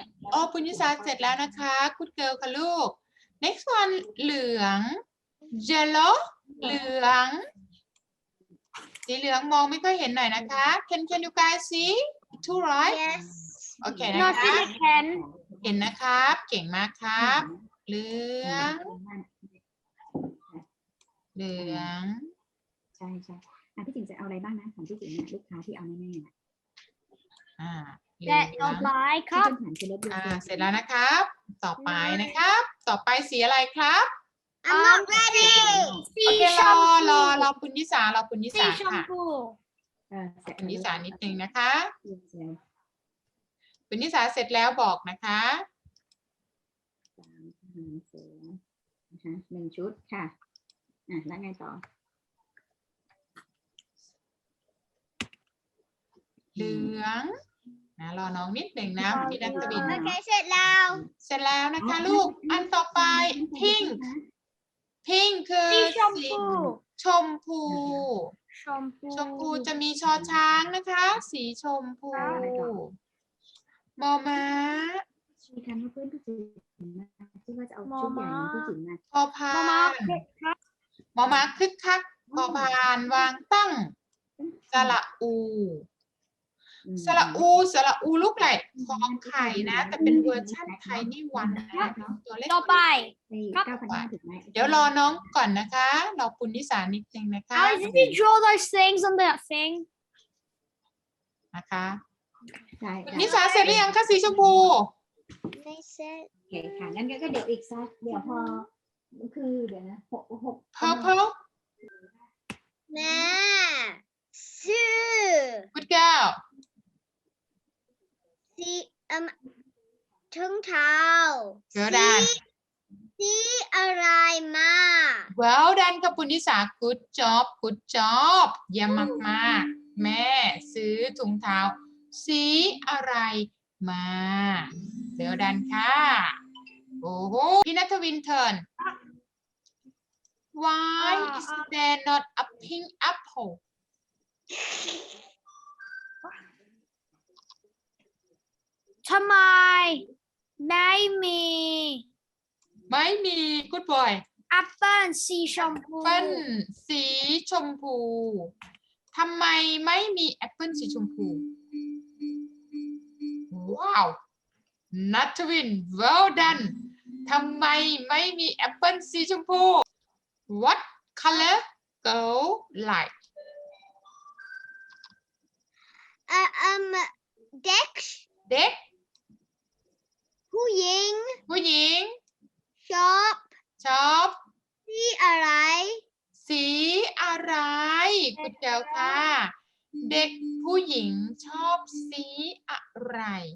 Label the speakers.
Speaker 1: โอ้ปุญญสาเสร็จแล้วนะคะคุณเกิลค่ะลูก next one เหลือง yellow เหลืองสีเหลืองมองไม่ค่อยเห็นหน่อยนะคะ can you guys see two right
Speaker 2: Yes
Speaker 1: โอเคนะ
Speaker 2: Not
Speaker 1: คะ
Speaker 2: really can
Speaker 1: เห็นนะครับเก่งมากครับเหลืองเหลือง
Speaker 3: ใช่พี่จิ๋งจะเอาอะไรบ้างนะของพี่จิ๋งเนี่ยลูกค้าที่เอาแน่ๆนะ
Speaker 1: เหลื
Speaker 2: that
Speaker 1: อง
Speaker 2: don't like
Speaker 3: ที่
Speaker 2: ครับ
Speaker 3: เป็นฐานคือลบเยอะ
Speaker 1: เสร็จแล้วนะครับ ต่อไปนะครับ ต่อไปสีอะไรครับ
Speaker 2: I'm not ready
Speaker 1: โอเครอคุณยิสารอคุณยิ
Speaker 2: สี
Speaker 1: สา
Speaker 2: ชม
Speaker 1: ค่ะ
Speaker 2: พู
Speaker 1: คุณยิสานิดนึงนะคะ
Speaker 3: เสร็จ
Speaker 1: คุณยิสาเสร็จแล้วบอกนะคะ
Speaker 3: เสือนะคะ1 ชุดค่ะแล้วไงต่อ
Speaker 1: เหลืองนะรอน้องนิดหนึ่งนะพี่นัทวิน
Speaker 2: โอเคเสร็จแล้ว
Speaker 1: เสร็จแล้วนะคะลูก อันต่อไป pink pink คือ
Speaker 2: สีชม
Speaker 1: สี
Speaker 2: พู
Speaker 1: ชมพู
Speaker 2: ชมพู
Speaker 1: ชมพูจะมีชอช้างนะคะ สีชมพูมอม้า
Speaker 3: มีการว่าเพื่อนพี่จิ๋งที่ว่าจะเอาชุดใหญ่พี่จิ๋งมา
Speaker 1: พอพาม
Speaker 2: าน
Speaker 1: มอม้าคึกคักพอพานวางตั้งสระอูสระอูลูกไหลของไข่นะ แต่เป็นเวอร์ชั่นไทยนี่วันนะตัวเล็ก
Speaker 2: ต่อไป
Speaker 3: 9,500ถึงไหม
Speaker 1: เดี๋ยวรอน้องก่อนนะคะรอคุณนิสานิดนึงนะคะ
Speaker 2: How did you draw those things on that thing
Speaker 1: นะคะ
Speaker 3: ใช่
Speaker 1: คุณนิสาเสร็จหรือยังคะสีชมพู
Speaker 2: ไม่เสร็จ
Speaker 3: โอเคค่ะงั้นก็เดี๋ยวอีกสักเดี๋ยวพอคือเดี๋ยวนะ6
Speaker 1: purple
Speaker 2: แม่ซื้อ
Speaker 1: good girl
Speaker 2: สีถุงเท้า
Speaker 1: well done
Speaker 2: สีอะไรมา
Speaker 1: well done ค่ะคุณนิสา good job เยี่ยมมากๆแม่ซื้อถุงเท้าสีอะไรมา well done ค่ะโอ้โหพี่นัทวินเทิร์น why is there not a pink apple
Speaker 2: ทำไมไม่มี
Speaker 1: ไม่มี good boy
Speaker 2: แอปเปิ้ลสีชมพู
Speaker 1: แอปเปิ้ลสีชมพู ทำไมไม่มีแอปเปิ้ลสีชมพู ว้าว นัทวิน well done ทำไมไม่มีแอปเปิ้ลสีชมพู what color go like
Speaker 2: เด็ก
Speaker 1: เด็ก
Speaker 2: ผู้หญิง
Speaker 1: ผู้หญิง
Speaker 2: ชอบ
Speaker 1: ชอบ
Speaker 2: สีอะไร
Speaker 1: สีอะไรคุณเจ้าค่ะ เด็กผู้หญิงชอบสีอะไร